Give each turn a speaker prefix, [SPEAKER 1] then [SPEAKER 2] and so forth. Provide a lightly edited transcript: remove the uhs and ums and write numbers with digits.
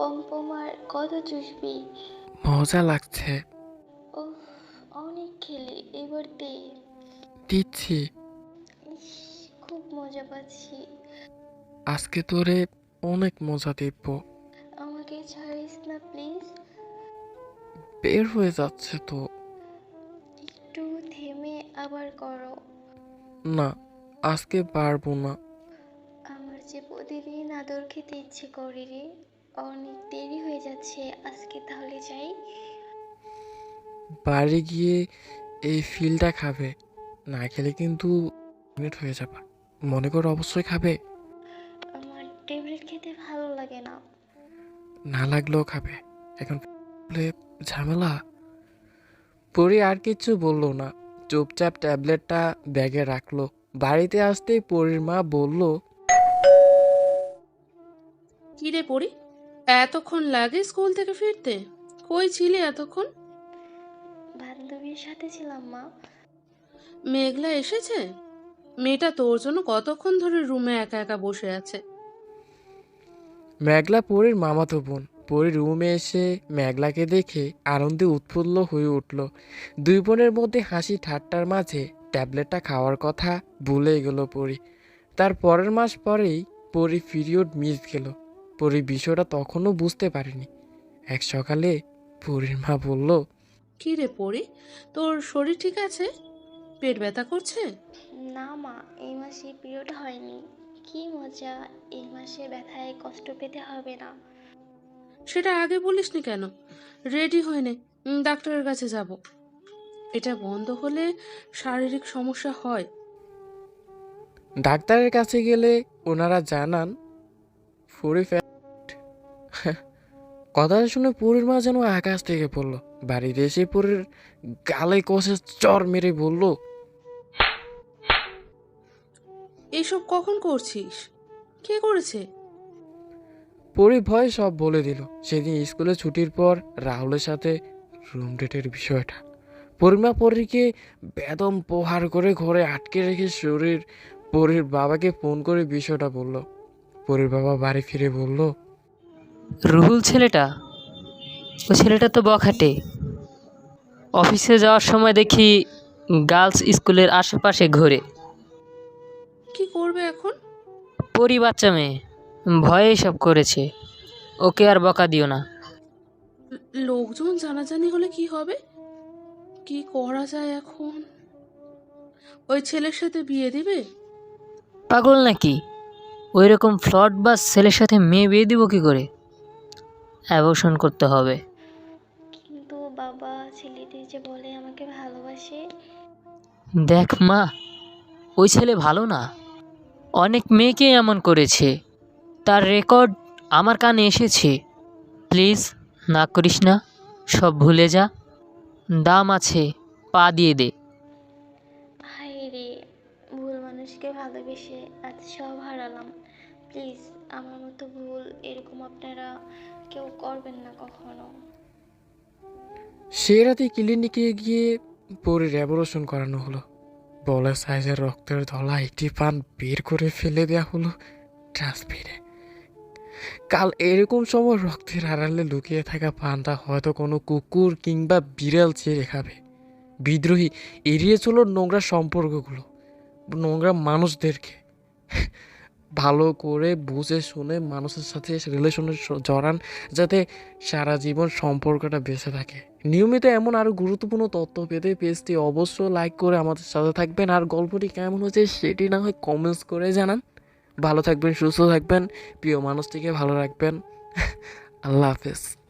[SPEAKER 1] Pompom আর কত চুষবি?
[SPEAKER 2] মজা লাগছে।
[SPEAKER 1] ওহ, অনেক খেলি, এবার দে।
[SPEAKER 2] দিচ্ছি।
[SPEAKER 1] ইস, খুব মজা পাচ্ছি।
[SPEAKER 2] আজকে তোরে অনেক মজা দিব।
[SPEAKER 1] আমাকে ছাড়িস না প্লিজ।
[SPEAKER 2] বের হয়ে যাচ্ছে তো।
[SPEAKER 1] একটু থেমে আবার করো।
[SPEAKER 2] না, আজকে পারবো না।
[SPEAKER 1] আমার যে প্রতিদিন আদর খেতে ইচ্ছে করে রে। অনেক দেরি হয়ে যাচ্ছে, আজকে তাহলে যাই।
[SPEAKER 2] বাড়ি গিয়ে এই ফিলটা খাবে, না খেলে কিন্তু মিনিট হয়ে যাবে। মনে করে অবশ্যই খাবে।
[SPEAKER 1] আমার ট্যাবলেট খেতে ভালো লাগে না।
[SPEAKER 2] না লাগলেও খাবে। এখন বলে ঝামেলা। পরি আর কিচ্ছু বললো না, চুপচাপ ট্যাবলেটটা ব্যাগে রাখলো। বাড়িতে আসতেই পরির মা বলল,
[SPEAKER 3] কি রে পড়ি, এতক্ষণ লাগে স্কুল থেকে ফিরতে? কই ছিলে এতক্ষণ?
[SPEAKER 1] বান্ধবীর সাথে ছিলাম মা।
[SPEAKER 3] মেঘলা এসেছে? মেয়েটা তোর জন্য কতক্ষণ ধরে রুমে একা একা বসে আছে।
[SPEAKER 2] মেঘলা পরির মামাতো বোন। পরি রুমে এসে মেঘলাকে দেখে আনন্দে উৎফুল্ল হয়ে উঠল। দুই বোনের মধ্যে হাসি ঠাট্টার মাঝে ট্যাবলেটটা খাওয়ার কথা ভুলে গেল পরি। তার পরের মাস পরেই পরি পিরিয়ড মিস গেল। পরি বিষয়টা তখনও বুঝতে পারেনি। এক সকালে পরির মা বলল,
[SPEAKER 3] কি রে পড়ি, তোর শরীর ঠিক আছে? পেট ব্যথা করছে?
[SPEAKER 1] না মা, এই মাসে পিরিয়ড হয়নি। কি মজা, এই মাসে ব্যথায় কষ্ট পেতে হবে না।
[SPEAKER 3] সেটা আগে বলিসনি কেন? রেডি হয়ে নে, ডাক্তারের কাছে যাব। এটা বন্ধ হলে শারীরিক সমস্যা হয়।
[SPEAKER 2] ডাক্তারের কাছে গেলে ওনারা জানান পরি কথাটা শুনে পরির মা যেন আকাশ থেকে পড়লো। বাড়িতে এসে পরির গালে কষে চর মেরে বলল,
[SPEAKER 3] এইসব কখন করছিস? কে করেছে?
[SPEAKER 2] পরি ভয় সব বলে দিল। সেদিন স্কুলে ছুটির পর রাহুলের সাথে রুম ডেটের বিষয়টা। পরিমা পরীকে বেদম প্রহার করে ঘরে আটকে রেখে পরির বাবাকে ফোন করে বিষয়টা বলল। পরির বাবা বাড়ি ফিরে বলল,
[SPEAKER 4] রুহুল ছেলেটা, ওই ছেলেটা তো বখাটে। অফিসে যাওয়ার সময় দেখি গার্লস স্কুলের আশেপাশে ঘোরে।
[SPEAKER 3] কি করবে এখন?
[SPEAKER 4] পরি বাচ্চা মেয়ে, ভয়ে সব করেছে। ওকে আর বকা দিও না।
[SPEAKER 3] লোকজন জানাজানি হলে কি হবে? কি করা যায় এখন? ওই ছেলের সাথে বিয়ে দিবে?
[SPEAKER 4] পাগল নাকি? ওই রকম ফ্লড বা ছেলের সাথে মেয়ে বিয়ে দিব কি করে? অ্যাবর্শন করতে হবে।
[SPEAKER 1] কিন্তু বাবা, ছেলেটি যে বলে আমাকে ভালোবাসে।
[SPEAKER 4] দেখ মা, ওই ছেলে ভালো না। অনেক মেয়েকে এমন করেছে, তার রেকর্ড আমার কানে এসেছে। প্লিজ না করিস না, সব ভুলে যা। দাম আছে, পা দিয়ে দে।
[SPEAKER 1] হায় রে, ভুল মানুষকে ভালোবেসে আজ সব হারালাম। প্লিজ, আমার মতো ভুল এরকম আপনারা কেউ করবেন না কখনো।
[SPEAKER 2] সে রাতে ক্লিনিকে গিয়ে পরির অ্যাবর্শন করানো হলো। বলা সাইজের রক্তের ধলা একটি পান বের করে ফেলে দেওয়া হলো ডাস্টবিনে। কাল এরকম সময় রক্তের আড়ালে লুকিয়ে থাকা পানটা হয়তো কোনো কুকুর কিংবা বিড়াল ছেড়ে খাবে। বিদ্রোহী এড়িয়ে চলো নোংরা সম্পর্কগুলো, নোংরা মানুষদেরকে। ভালো করে বুঝে শুনে মানুষের সাথে রিলেশনে জড়ান, যাতে সারা জীবন সম্পর্কটা বেঁচে থাকে। নিয়মিত এমন আরও গুরুত্বপূর্ণ তথ্য পেতে পেজটি অবশ্যই লাইক করে আমাদের সাথে থাকবেন। আর গল্পটি কেমন হচ্ছে সেটি না হয় কমেন্টস করে জানান। ভালো থাকবেন, সুস্থ থাকবেন, প্রিয় মানুষটিকে ভালো রাখবেন। আল্লাহ হাফেজ।